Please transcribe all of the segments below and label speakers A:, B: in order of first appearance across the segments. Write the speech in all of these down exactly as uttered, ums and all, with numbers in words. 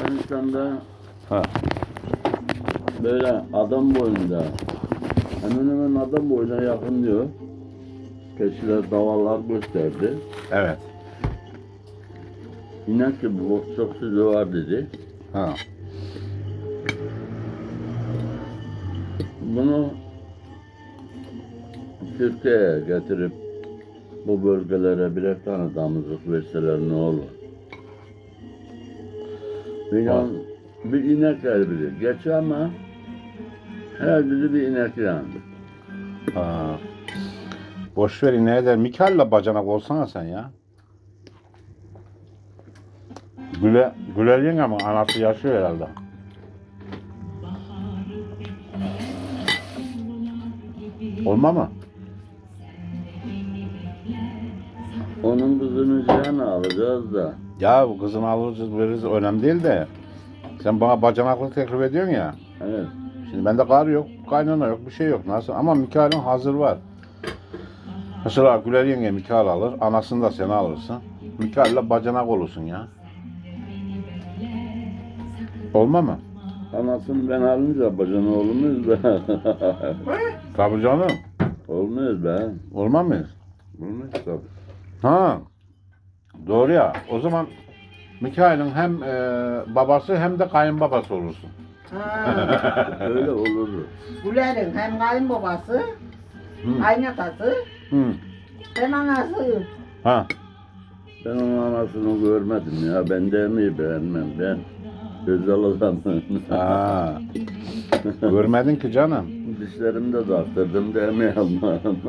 A: Yunanistan'da
B: Ha.
A: böyle adam boyunda, hemen hemen adam boyuna yakın diyor. Keçiler, davallar gösterdi.
B: Evet.
A: İnek gibi bu çok sözü var dedi.
B: Ha.
A: Bunu Türkiye'ye getirip bu bölgelere birer tane damızlık verseler ne olur? Bir,
B: Var.
A: bir inek her biri. Geç ama her biri bir inek yani.
B: Ha. Boş ver ne eder? Mikail'le bacanak olsana sen ya. Güle, Güler yenge ama anası yaşıyor herhalde. Olma mı?
A: Onun kızını Cihan'a alacağız da.
B: Ya bu kızını alırız veririz önemli değil de. Sen bana bacanaklık teklif ediyorsun ya.
A: Evet.
B: Şimdi bende kar yok, kaynana yok, bir şey yok. Nasıl? Ama Mikail'in hazır var. Mesela Güler yenge Mikail alır, anasını da sen alırsın. Mikail'le bacanak olursun ya. Olma mı?
A: Anasını ben alınca bacana olmuyoruz be.
B: Tabii canım.
A: Olmuyoruz be.
B: Olmaz mıyız?
A: Olmuyoruz tabii.
B: Ha. Doğru ya. O zaman Mikail'in hem e, babası hem de kayınbabası olursun.
C: Ha,
A: Öyle olur.
C: Güler'in hem kayınbabası,
B: Hı.
C: kaynatası,
B: Hı.
C: hem anası.
B: Ha.
A: Ben onun anasını görmedim ya. Ben de mi beğenmem ben. Özel adamım.
B: Ha. Görmedin ki canım.
A: Dişlerimi de taktırdım demeyeyim.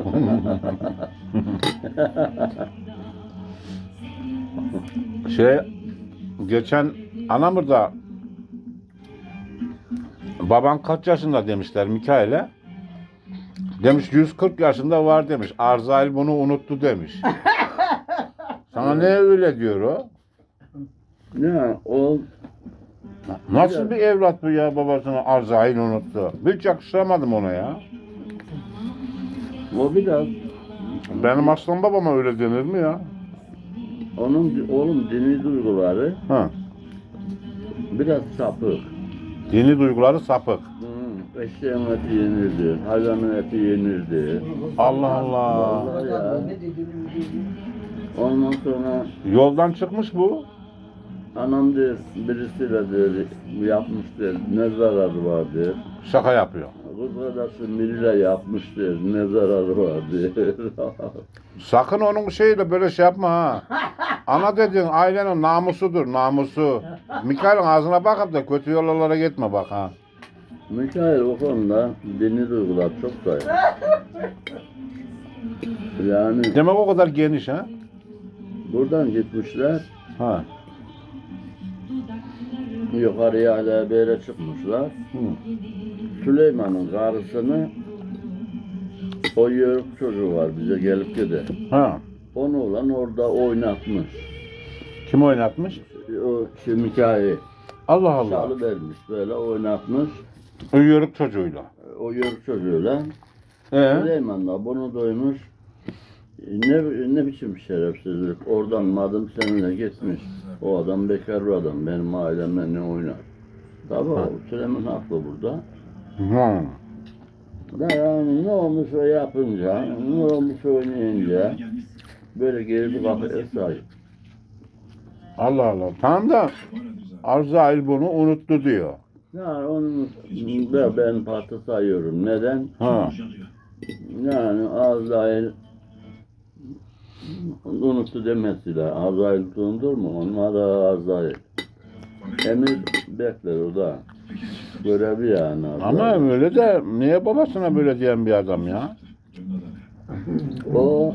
B: Şey, geçen Anamur'da baban kaç yaşında demişler Mikail'e. Demiş yüz kırk yaşında var demiş. Arzail bunu unuttu demiş. Sana ne öyle diyor o?
A: Ya o
B: Nasıl bir evlat bu ya babasını Arzail unuttu. Hiç yakıştıramadım ona ya.
A: o biraz
B: Benim aslan babama öyle denir mi ya?
A: onun oğlum dini duyguları
B: Ha.
A: biraz sapık.
B: Dini duyguları sapık.
A: Hı, eşeğin eti yenirdi, hayvanın eti yenirdi.
B: Allah Allah.
A: Vallahi ya. Ondan sonra
B: Yoldan çıkmış bu.
A: anam diyor, birisiyle diyor, yapmıştır, ne zararı var diyor.
B: Şaka yapıyor.
A: Kız kardeşim biriyle yapmıştır, ne zararı var diyor.
B: Sakın onun şeyiyle böyle şey yapma ha. Ana dediğin ailenin namusudur, namusu. Mikail'in ağzına bakıp da kötü yollara gitme bak ha.
A: Mikail o konuda dini duygular çok zayıf. Yani
B: Demek o kadar geniş ha.
A: buradan gitmişler,
B: Ha.
A: yukarıya hala bir yere çıkmışlar.
B: Hı.
A: Süleyman'ın karısını, o yörük çocuğu var bize gelip gider.
B: Ha.
A: Onu olan orada oynatmış.
B: Kim oynatmış?
A: O şey Mikail
B: Allah Allah.
A: çalı vermiş böyle oynatmış.
B: O yörük çocuğuyla.
A: O yörük çocuğuyla.
B: Ee?
A: Süleyman da bunu duymuş. Ne, ne biçim şerefsizlik. Oradan madım seninle gitmiş. O adam bekar bir adam. Benim ailemle ne oynar? Tabii o Süleyman haklı burada.
B: Hı.
A: Da yani ne olmuş o yapınca, ne olmuş oynayınca böyle geri bir kafaya sahip.
B: Allah Allah. Tamam da Arzail bunu unuttu diyor.
A: Yani onun ben, ben parti sayıyorum. Neden?
B: Ha.
A: Yani Azrail unuttu demesiyle. Azrail unutulur mu? Onlar da Azrail. Emir bekler o da. Görevi yani Azrail.
B: Ama öyle de niye babasına böyle diyen bir adam ya?
A: O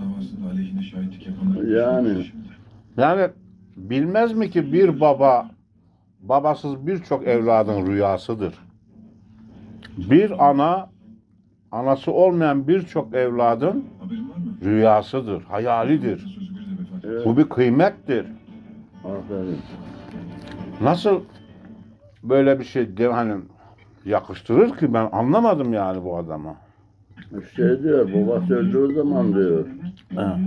A: yani
B: Yani bilmez mi ki bir baba babasız birçok evladın rüyasıdır. Bir ana anası olmayan birçok evladın rüyasıdır, hayalidir.
A: evet,
B: Bu bir kıymettir.
A: aferin.
B: Nasıl böyle bir şey de, hani yakıştırır ki ben anlamadım yani bu adama.
A: Şey diyor, babası öldüğü zaman diyor,
B: Ha.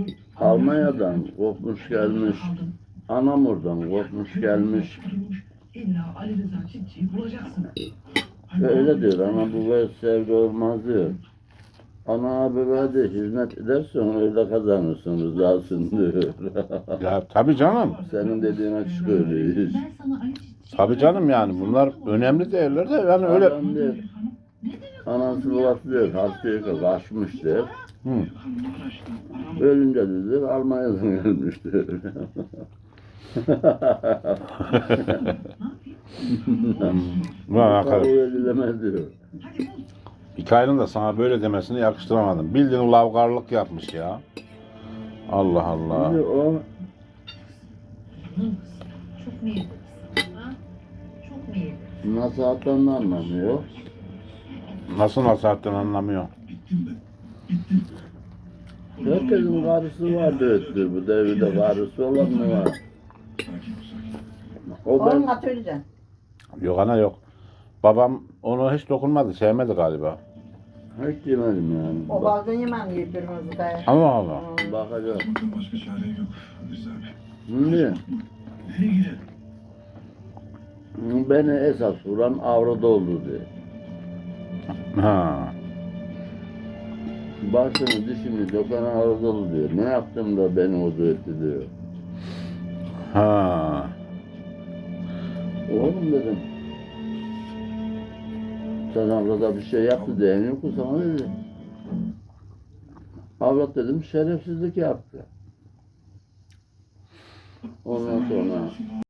A: Almanya'dan kopmuş gelmiş, Anamur'dan kopmuş gelmiş,
D: Ali Rıza Çiftçi'yi bulacaksın.
A: Öyle diyor, ana babaya sevgi olmaz diyor. Ana babaya de hizmet edersen öyle kazanırsın, rızasını diyor.
B: Ya tabii canım.
A: Senin dediğin açık öyle.
D: Ben sana Ali Çiftçi'yi
B: Tabii canım yani bunlar önemli değerler de yani öyle.
A: Adam diyor, anası babası diyor, hastaya kaçmış diyor.
B: Hı.
A: Ölünce dedi, Almanya'dan gelmiş diyor.
B: Ulan
A: Tabii
B: Hakan,
A: öyle demez diyor.
B: hikayenin de sana böyle demesini yakıştıramadım. Bildiğin lavgarlık yapmış ya. Allah Allah.
A: Şimdi o
D: çok mu yedin? Ha? Çok mu yedin?
A: nasihattan da anlamıyor.
B: Nasıl nasihatten anlamıyor.
A: Herkesin karısı var diyor. Bu devirde karısı olan mı var? O
C: Oğlum
A: ben
C: götüreceksin.
B: Yok ana yok. Babam onu hiç dokunmadı, sevmedi galiba.
A: hiç yemedim yani.
C: O
A: Bak,
C: baldan yemem birbirimizi de.
B: Allah Allah.
A: bakacağım.
E: Bakın başka çare yok. Rıza Bey.
A: Şimdi
E: Nereye gidelim?
A: beni esas vuran avrada oldu diyor.
B: Ha.
A: Başını dişini dokan avrada oldu diyor. Ne yaptım da beni o etti diyor.
B: Ha.
A: Oğlum dedim. Sen avrada bir şey yaptı diyen yok mu sana dedi. Avrat dedim şerefsizlik yaptı. Ondan sonra